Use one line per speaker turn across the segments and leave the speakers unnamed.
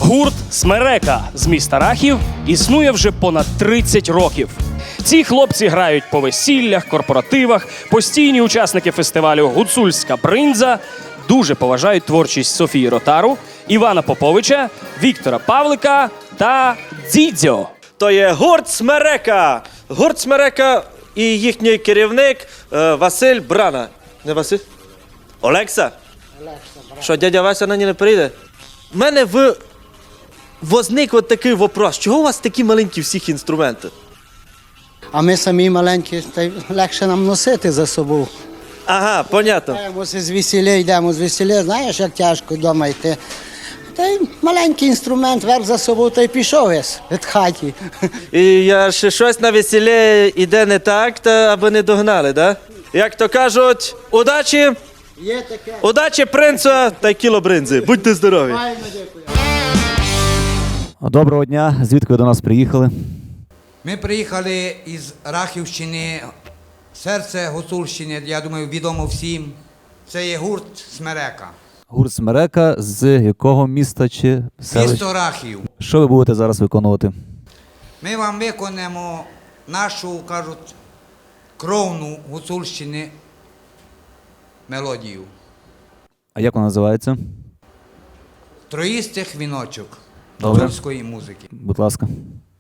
Гурт «Смерека» з міста Рахів існує вже понад 30 років. Ці хлопці грають по весіллях, корпоративах, постійні учасники фестивалю «Гуцульська бринза», дуже поважають творчість Софії Ротару, Івана Поповича, Віктора Павлика та Дзідзьо.
То є гурт «Смерека». Гурт «Смерека» і їхній керівник Василь Брана. Не Василь? Олекса? Що, дядя Вася нині не прийде? У мене возник от такий вопрос. Чого у вас такі маленькі всіх інструменти?
А ми самі маленькі, та й легше нам носити за собою.
Ага, понятно.
Йдемо з весілля, знаєш, як тяжко вдома йти. Та й маленький інструмент, верх за собою, та й пішов весь від хаті.
І я ще щось на весіллі іде не так, та аби не догнали, да? Як то кажуть, удачі,
Є таке.
удачі принца та й кіло бринзи. Будьте здорові.
Файно, дякую.
Доброго дня. Звідки ви до нас приїхали?
Ми приїхали із Рахівщини, серце Гуцульщини, я думаю, відомо всім. Це є гурт «Смерека».
Гурт «Смерека» з якого міста чи селища?
Місто Рахів.
Що ви будете зараз виконувати?
Ми вам виконаємо нашу, кажуть, кровну Гуцульщини мелодію.
А як вона називається?
Троїстих віночок
Добре.
гуцульської музики.
Будь ласка.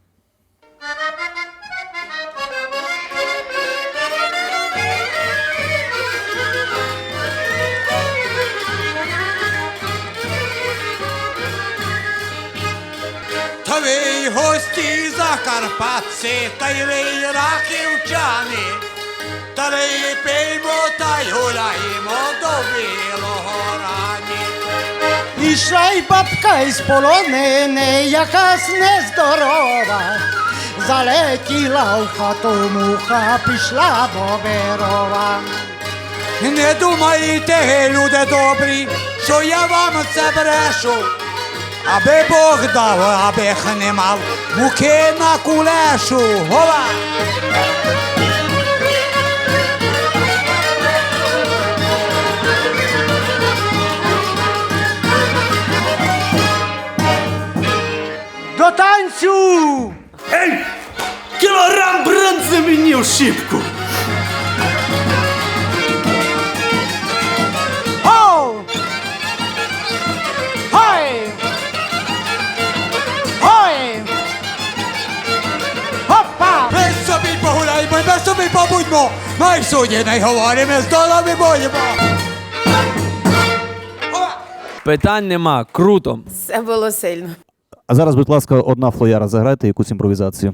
Та ви гості закарпатці, та й ви рахівчани, та ви пиймо та й гуляємо до білого рані.
Ішла й бабка із полонини, якась нездорова. Залетіла в хату муха, пішла боберова.
Не думайте, люди добрі, що я вам це брешу, аби Бог дав, аби не мав муки на кулешу. Гова!
До танцю!
Ей! Кілограм бринзи мені в шибку!
Оу! Хой! Хой! Хопа!
Ми собі погуляємо, ми собі побудьмо, ми в суді не говоримо, з долами будемо. Гова!
Питань нема, круто.
Це було сильно.
А зараз, будь ласка, одна флояра. Заграйте якусь імпровізацію.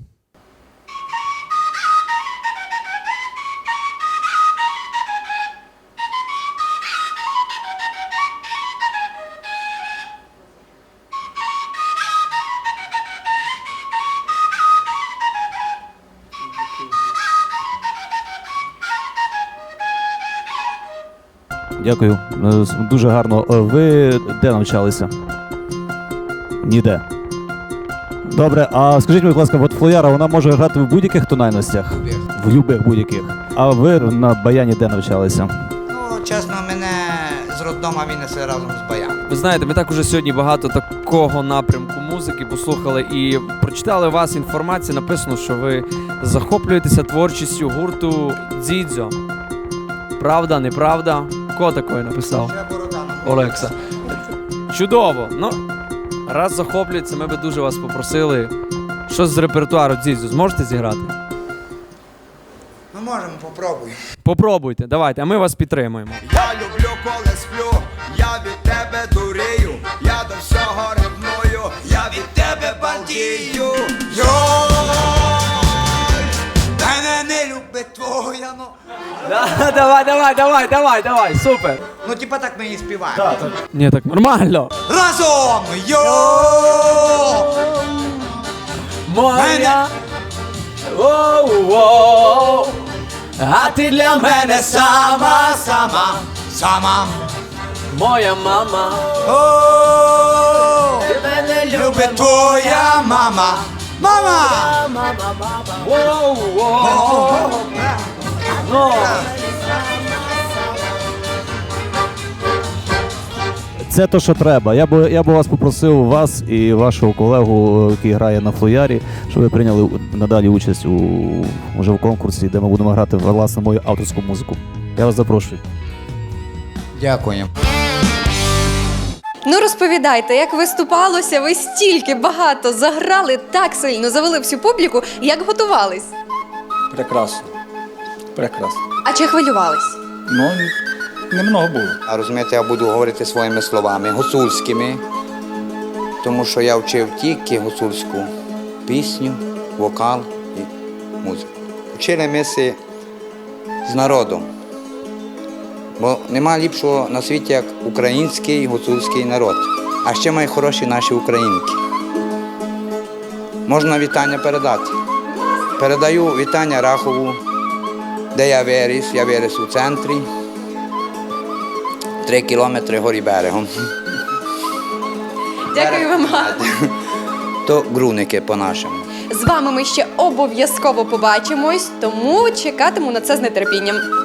Дякую. Дуже гарно. Ви де навчалися? Ніде. Добре, а скажіть, будь ласка, от флояра, вона може грати в будь-яких тональностях? В любих будь-яких. А ви на баяні де навчалися?
Ну, чесно, мене з роддома винесли разом з баяном.
Ви знаєте, ми так уже сьогодні багато такого напрямку музики послухали і прочитали у вас інформацію, написано, що ви захоплюєтеся творчістю гурту «Дзідзьо». Правда, неправда? Хто такої написав?
Ще борода на мені.
Олекса. Чудово. Ну, раз захоплюється, ми би дуже вас попросили щось з репертуару «Дзідзьо». Зможете зіграти?
Ми можемо, попробуємо.
Попробуйте, давайте, а ми вас підтримуємо.
Я люблю, коли сплю, я від тебе дурію, я до всього ревную, я від тебе балдію.
Мене не любить твоя, ну.
Давай, супер.
Ну, типа так ми і співаємо.
Ні, так нормально.
Разом!
Моя, воу-воу, а ти для мене сама,
Сама.
моя мама.
О,
Ти мене
любить твоя мама. Мама!
Воу-воу. Ну.
Це то, що треба. Я би вас попросив, вас і вашого колегу, який грає на флоярі, щоб ви прийняли надалі участь уже в конкурсі, де ми будемо грати власне мою авторську музику. Я вас запрошую.
Дякую.
Ну розповідайте, як виступалося, ви стільки багато заграли, так сильно завели всю публіку, як готувались?
Прекрасно. Прекрасно.
А чи хвилювались?
Ну, немного було.
А розумієте, я буду говорити своїми словами, гуцульськими, тому що я вчив тільки гуцульську пісню, вокал і музику. Вчили ми си з народом, бо нема ліпшого на світі, як український гуцульський народ. А ще мають хороші наші українки. Можна вітання передати. Передаю вітання Рахову, де я виріс у центрі. 3 кілометри горі берегом.
Дякую вам.
То Груники по-нашому.
З вами ми ще обов'язково побачимось, тому чекатиму на це з нетерпінням.